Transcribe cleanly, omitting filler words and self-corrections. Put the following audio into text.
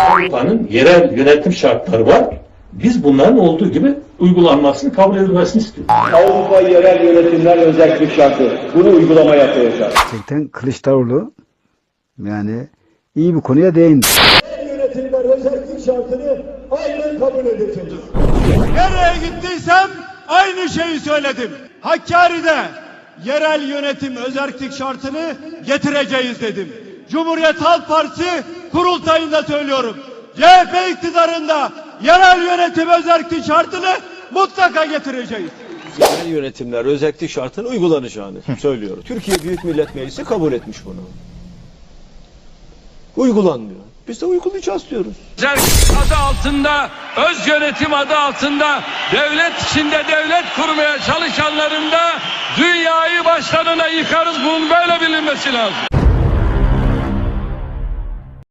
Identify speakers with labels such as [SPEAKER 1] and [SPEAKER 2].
[SPEAKER 1] Avrupa'nın yerel yönetim şartları var. Biz bunların olduğu gibi uygulanmasını, kabul edilmesini istiyoruz.
[SPEAKER 2] Avrupa yerel yönetimler özellik şartı. Bunu uygulamaya koyacağız.
[SPEAKER 3] Gerçekten Kılıçdaroğlu yani iyi bir konuya değindi.
[SPEAKER 4] Yerel yönetimler özellik şartını aynen kabul edeceğiz.
[SPEAKER 5] Nereye gittiysem aynı şeyi söyledim. Hakkari'de yerel yönetim özerklik şartını getireceğiz dedim. Cumhuriyet Halk Partisi kurultayında söylüyorum. CHP iktidarında yerel yönetim özerklik şartını mutlaka getireceğiz.
[SPEAKER 6] Yerel yönetimler özellik şartının uygulanacağını söylüyoruz. Türkiye Büyük Millet Meclisi kabul etmiş bunu. Uygulanmıyor. Biz de uygulayacağız diyoruz.
[SPEAKER 7] Özerklik adı altında, öz yönetim adı altında devlet içinde devlet kurmaya çalışanların da dünyayı başlarına yıkarız. Bunun böyle bilinmesi lazım.